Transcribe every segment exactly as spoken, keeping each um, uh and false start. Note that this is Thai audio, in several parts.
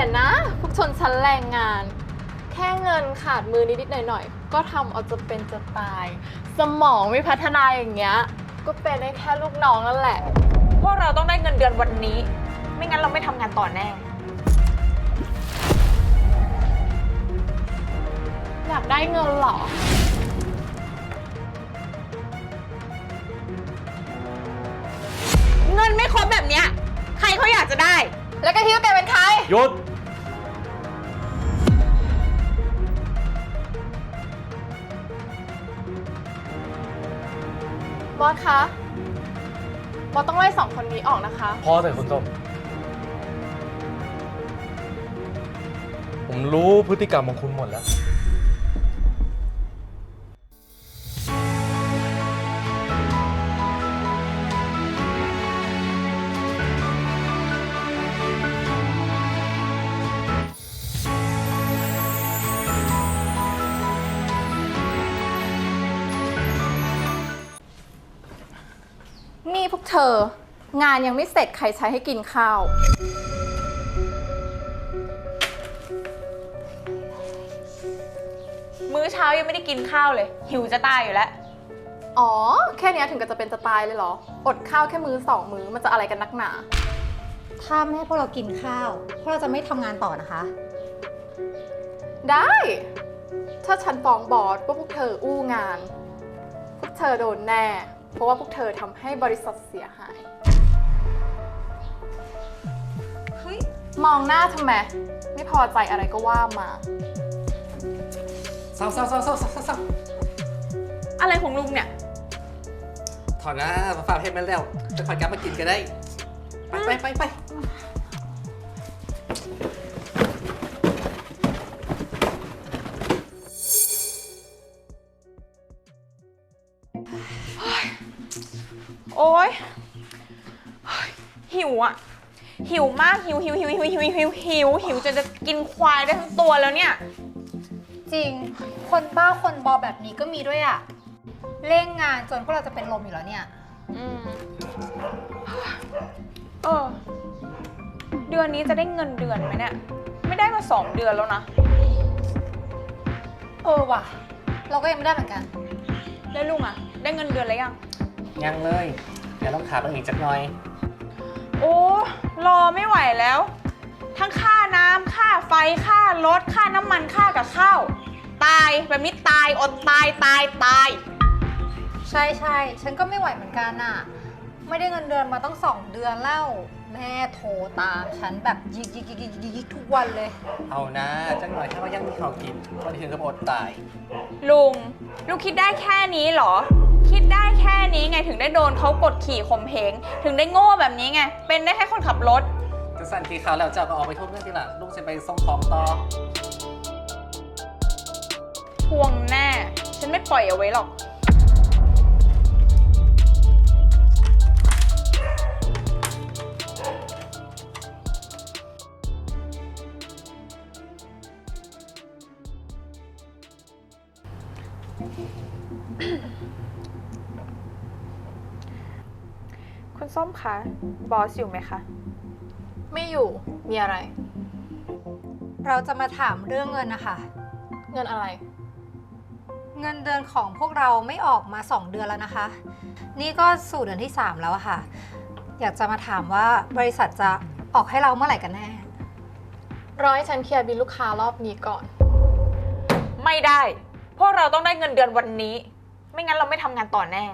อะนะพวกชนชั้นแรงงานแค่เงินขาดมือนิดๆหน่อยๆก็ทำเอาจะเป็นจะตายสมองไม่พัฒนาอย่างเงี้ยก็เป็นได้แค่ลูกน้องนั่นแหละพวกเราต้องได้เงินเดือนวันนี้ไม่งั้นเราไม่ทำงานต่อแน่อยากได้เงินเหรอเงินไม่ครบแบบเนี้ยใครเขาอยากจะได้แล้วก็คิดว่าแกเป็นใครหยุดบอสคะบอสต้องไล่สองคนนี้ออกนะคะพอเถอะคุณส้มผมรู้พฤติกรรมของคุณหมดแล้วนี่พวกเธองานยังไม่เสร็จใครใช้ให้กินข้าวมื้อเช้ายังไม่ได้กินข้าวเลยหิวจะตายอยู่แล้วอ๋อแค่นี้ถึงกับจะเป็นจะตายเลยเหรออดข้าวแค่มื้อสองมื้อมันจะอะไรกันนักหนาถ้าไม่ให้พวกเรากินข้าวพวกเราจะไม่ทำงานต่อนะคะได้ถ้าฉันฟ้องบอสว่าพวกเธออู้งานพวกเธอโดนแน่เพราะว่าพวกเธอทำให้บริษัทเสียหายเฮ้ยมองหน้าทำไมไม่พอใจอะไรก็ว่ามาเศร้าเศร้าเศร้าเศร้าเศร้าเศร้าอะไรของลุงเนี่ยถอนนะมาฝากเพชรมาแล้วจะขอกลับมากินกันได้ไปไปไปไปโอ๊ยหิวอ่ะหิวมากหิวหิวหิวหิวหิวหิวหิวหิวจนจะกินควายได้ทั้งตัวแล้วเนี่ยจริงคนบ้าคนบอแบบนี้ก็มีด้วยอะเร่งงานจนพวกเราจะเป็นลมอยู่แล้วเนี่ยอืมเออเดือนนี้จะได้เงินเดือนไหมเนี่ยไม่ได้มาสองเดือนแล้วนะเออว่ะเราก็ยังไม่ได้เหมือนกันแล้วลุงอะได้เงินเดือนแล้วยังยังเลยเดี๋ยวต้องขาไปอีกจักหน่อยโอ้รอไม่ไหวแล้วทั้งค่าน้ำค่าไฟค่ารถค่าน้ำมันค่ากับข้าวตายแบบนี้ตายอดตายตายตายใช่ใช่ฉันก็ไม่ไหวเหมือนกันน่ะไม่ได้เงินเดือนมาต้องสองเดือนแล้วแม่โทรตามฉันแบบยิกยิกยิกยิกยิกทุกวันเลยเอานะจักหน่อยถ้าว่ายังมีข้าวกินวันถึงกับอดตายลุงลุงคิดได้แค่นี้เหรอคิดได้แค่นี้ไงถึงได้โดนเขากดขี่ข่มเหงถึงได้โง่แบบนี้ไงเป็นได้แค่คนขับรถจะสั่นทีเขาแล้วเจ้าก็ออกไปทุบเรื่องที่หลังลุงจะไปส่งของต่อทวงแน่ฉันไม่ปล่อยเอาไว้หรอกคุณส้มคะบอสอยู่ไหมคะไม่อยู่มีอะไรเราจะมาถามเรื่องเงินนะคะเงินอะไรเงินเดือนของพวกเราไม่ออกมาสองเดือนแล้วนะคะนี่ก็สู่เดือนที่สามแล้วอะค่ะอยากจะมาถามว่าบริษัทจะออกให้เราเมื่อไหร่กันแน่รอให้ฉันเคลียร์บิลลูกค้ารอบนี้ก่อนไม่ได้พวกเราต้องได้เงินเดือนวันนี้ไม่งั้นเราไม่ทำงานต่อแน่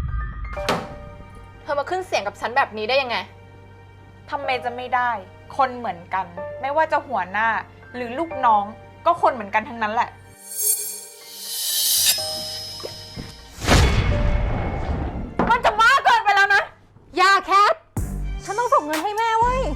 เธอมาขึ้นเสียงกับฉันแบบนี้ได้ยังไงทำไมจะไม่ได้คนเหมือนกันไม่ว่าจะหัวหน้าหรือลูกน้องก็คนเหมือนกันทั้งนั้นแหละมันจะมากเกินไปแล้วนะอย่าแคทฉันต้องส่งเงินให้แม่เว้ย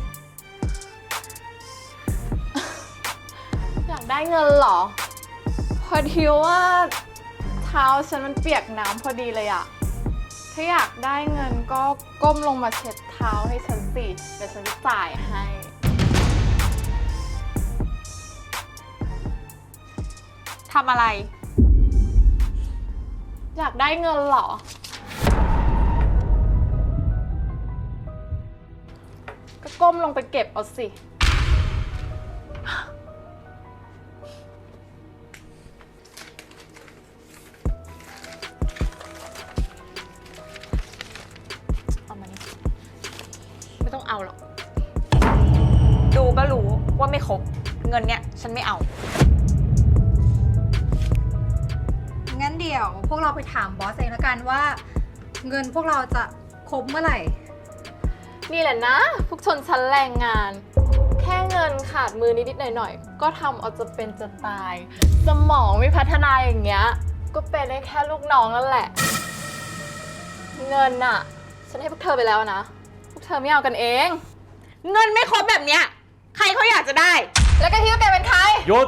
อยากได้เงินเหรอพอดีว่าเท้าฉันมันเปียกน้ำพอดีเลยอะถ้าอยากได้เงินก็ก้มลงมาเช็ดเท้าให้ฉันสิเดี๋ยวฉันจะจ่ายให้ทำอะไรอยากได้เงินเหรอก็ก้มลงไปเก็บเอาสิเอามานี่ไม่ต้องเอาหรอก ดูก็รู้ว่าไม่ครบ เงินเนี้ยฉันไม่เอางั้นเดี๋ยวพวกเราไปถามบอสเองแล้วกันว่า เงินพวกเราจะครบเมื่อไหร่นี่แหละนะ พวกชนชั้นแรงงาน แค่เงินขาดมือนิดๆหน่อยๆ ก็ทำเอาจะเป็นจะตาย สมองไม่พัฒนาอย่างเงี้ย ก็เป็นได้แค่ลูกน้องนั่นแหละ เงินน่ะ ฉันให้พวกเธอไปแล้วนะ พวกเธอไม่เอากันเองเงินไม่ครบแบบเนี้ย ใครเขาอยากจะได้แล้วแกคิดว่าแกเป็นใครหยุด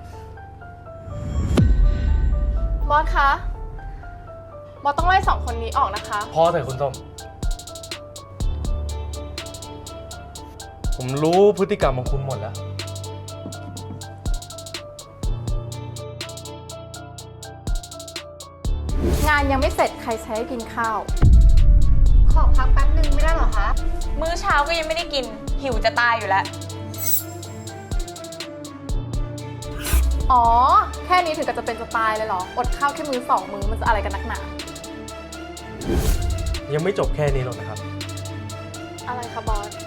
บอสคะ บอสต้องไล่สองคนนี้ออกนะคะพอเถอะคุณส้ม ผมรู้พฤติกรรมของคุณหมดแล้วงานยังไม่เสร็จใครใช้ให้กินข้าวขอพักแป๊บนึงไม่ได้เหรอคะมื้อเช้าก็ยังไม่ได้กิน หิวจะตายอยู่แล้วอ๋อ แค่นี้ถึงกับจะเป็นจะตายเลยเหรอ อดข้าวแค่มือสองมือมันจะอะไรกันนักหนายังไม่จบแค่นี้หรอกนะครับอะไรคะบอส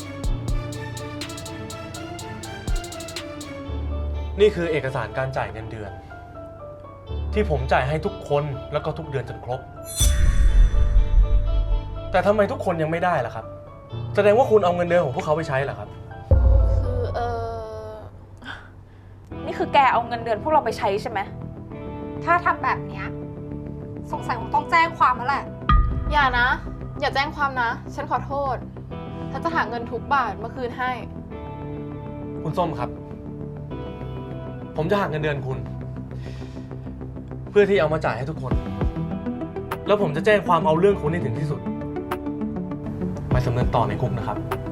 นี่คือเอกสารการจ่ายเงินเดือน ที่ผมจ่ายให้ทุกคนแล้วก็ทุกเดือนจนครบ แต่ทำไมทุกคนยังไม่ได้ล่ะครับ แสดงว่าคุณเอาเงินเดือนของพวกเขาไปใช้เหรอครับคือเออนี่คือแกเอาเงินเดือนพวกเราไปใช้ใช่ไหมถ้าทำแบบเนี้ยสงสัยคงต้องแจ้งความแล้วแหละอย่านะ อย่าแจ้งความนะ ฉันขอโทษ ฉันจะหาเงินทุกบาทมาคืนให้คุณส้มครับ ผมจะหักเงินเดือนคุณ เพื่อที่เอามาจ่ายให้ทุกคน แล้วผมจะแจ้งความเอาเรื่องคุณให้ถึงที่สุด ไปสำเนินต่อในคุกนะครับ